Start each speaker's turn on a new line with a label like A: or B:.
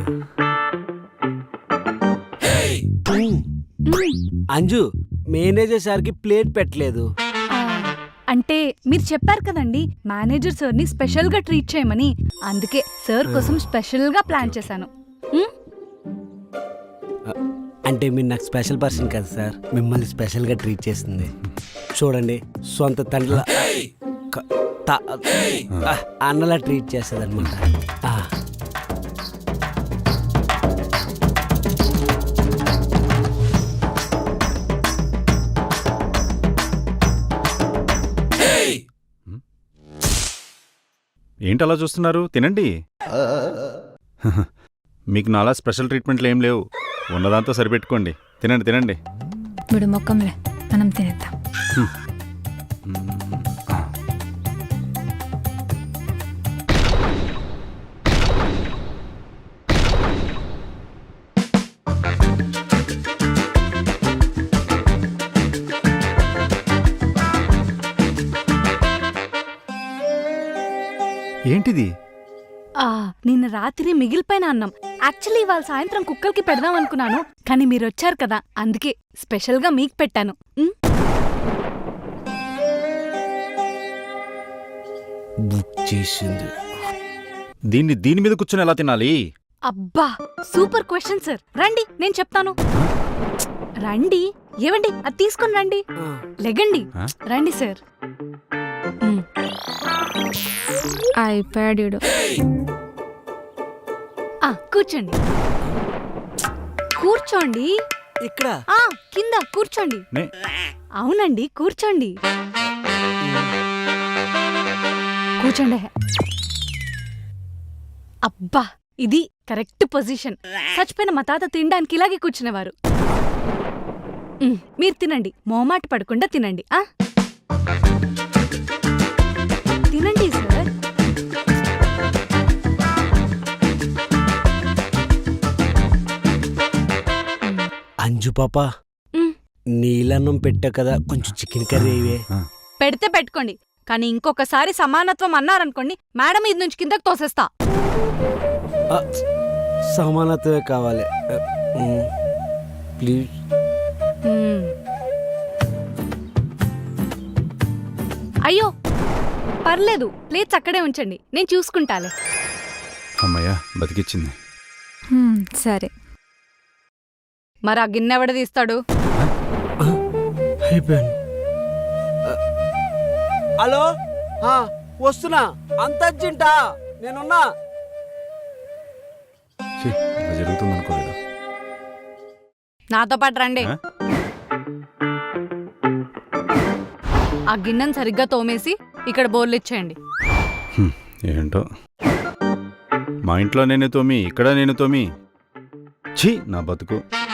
A: Anju manager సార్కి plate పెట్టలేదు.
B: అంటే మీరు చెప్పారు కదండి మేనేజర్ సార్ని స్పెషల్గా ట్రీట్ చేయమని, అందుకే సార్ కోసం స్పెషల్గా ప్లాన్ చేశాను.
A: అంటే మీరు నాకు స్పెషల్ పర్సన్ కదా సార్, మిమ్మల్ని స్పెషల్గా ట్రీట్ చేస్తుంది. చూడండి, సొంత తండ్రిలా అన్నలా ట్రీట్ చేస్తుంది అనమాట.
C: ఏంటి అలా చూస్తున్నారు? తినండి. మీకు నాలా స్పెషల్ ట్రీట్మెంట్లు ఏం లేవు, ఉన్నదాంతో సరిపెట్టుకోండి. తినండి తినండి.
D: విడు మొక్కంలే, మనం తినేద్దాం.
C: ఏంటిది?
B: నిన్న రాత్రి మిగిలిపోయిన అన్నం. యాక్చువల్లీ ఇవాళ సాయంత్రం కుక్కలకి పెడదాం అనుకున్నాను, కానీ మీరు వచ్చారు కదా, అందుకే స్పెషల్గా మీకు పెట్టాను.
A: బుక్ చేసింది.
C: దీని మీద కూర్చొని ఎలా తినాలి?
B: అబ్బా సూపర్ క్వశ్చన్ సార్. రండి నేను చెప్తాను. రండి. ఏవండి అది తీసుకుని రండి. లెగండి. రండి సార్.
D: అయిపోయాడు.
B: కూర్చోండి. కూర్చోండి.
A: ఇక్కడ
B: కింద కూర్చోండి. అవునండి కూర్చోండి. కూర్చోండి. అబ్బా ఇది కరెక్ట్ పొజిషన్. చచ్చిపోయిన మా తాత తినడానికి ఇలాగే కూర్చునేవారు. మీరు తినండి, మొహమాట పడకుండా తినండి. తినండి సార్.
A: అంజు పాప, నీలన్నం పెట్టా కదా, కొంచెం చికెన్ కర్రీ ఇవే.
B: పెడితే పెట్టుకోండి, కానీ ఇంకొకసారి సమానత్వం అన్నారనుకోండి, మేడం ఇది నుంచి కిందకు తోసేస్తా.
A: సమానత్వమే కావాలి ప్లీజ్.
B: అయ్యో పర్లేదు, ప్లేట్స్ అక్కడే ఉంచండి, నేను చూసుకుంటాలే.
C: అమ్మయ్యా బతికిచ్చింది.
D: సరే,
B: మరి ఆ గిన్నె ఎవడ తీస్తాడు?
A: అయిపోయాను. హలో, వస్తున్నా. అంత అర్జెంటా? నేనున్నా.
C: జరుగుతుంది అనుకోలేదు.
B: నాతో పాటు రండి. ఆ గిన్నెను సరిగ్గా తోమేసి ఇక్కడ బోర్లు ఇచ్చేయండి.
C: ఏంటో, మా ఇంట్లో నేను తోమి, ఇక్కడ నేను తోమి. ఛీ నా బతుకు.